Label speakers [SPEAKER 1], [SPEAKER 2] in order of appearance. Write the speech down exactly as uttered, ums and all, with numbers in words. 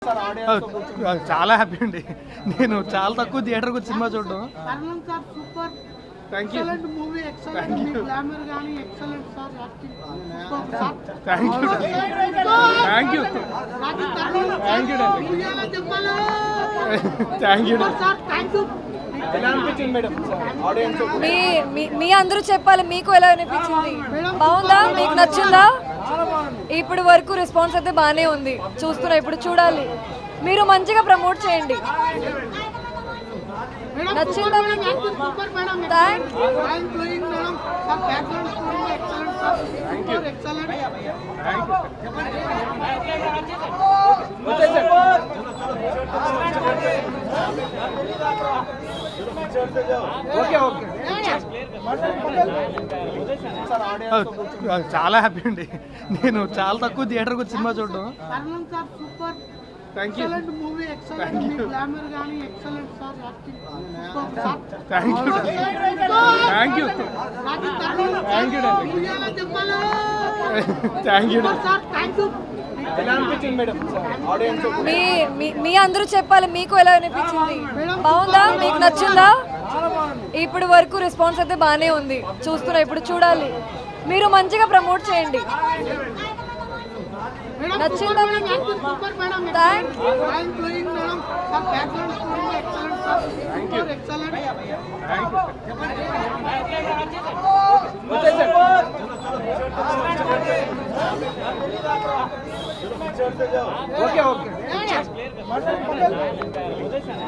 [SPEAKER 1] చాలా హ్యాపీ అండి. నేను చాలా తక్కువ థియేటర్కి వచ్చి సినిమా చూడడం. Thank you thank you thank you thank you thank you
[SPEAKER 2] మీ మీ- మీ అందరూ చెప్పాలి మీకు ఎలా అనిపించింది? బాగుందా? మీకు నచ్చిందా? ఇప్పుడు వరకు రెస్పాన్స్ అయితే బాగానే ఉంది. చూస్తున్నా, ఇప్పుడు చూడాలి. మీరు మంచిగా ప్రమోట్ చేయండి. నచ్చిందా మీకు? థ్యాంక్
[SPEAKER 1] ఓకే ఓకే చాలా హ్యాపీ అండి. నేను చాలా తక్కువ థియేటర్కి వచ్చి సినిమా చూడడం. Thank you thank you thank you thank you thank you
[SPEAKER 2] మీ మీ- మీ అందరూ చెప్పాలి మీకు ఎలా అనిపించింది? బాగుందా? మీకు నచ్చిందా? ఇప్పుడు వరకు రెస్పాన్స్ అయితే బాగానే ఉంది. చూస్తున్నా, ఇప్పుడు చూడాలి. మీరు మంచిగా ప్రమోట్ చేయండి. నచ్చిందా మీకు? Thank
[SPEAKER 1] okay okay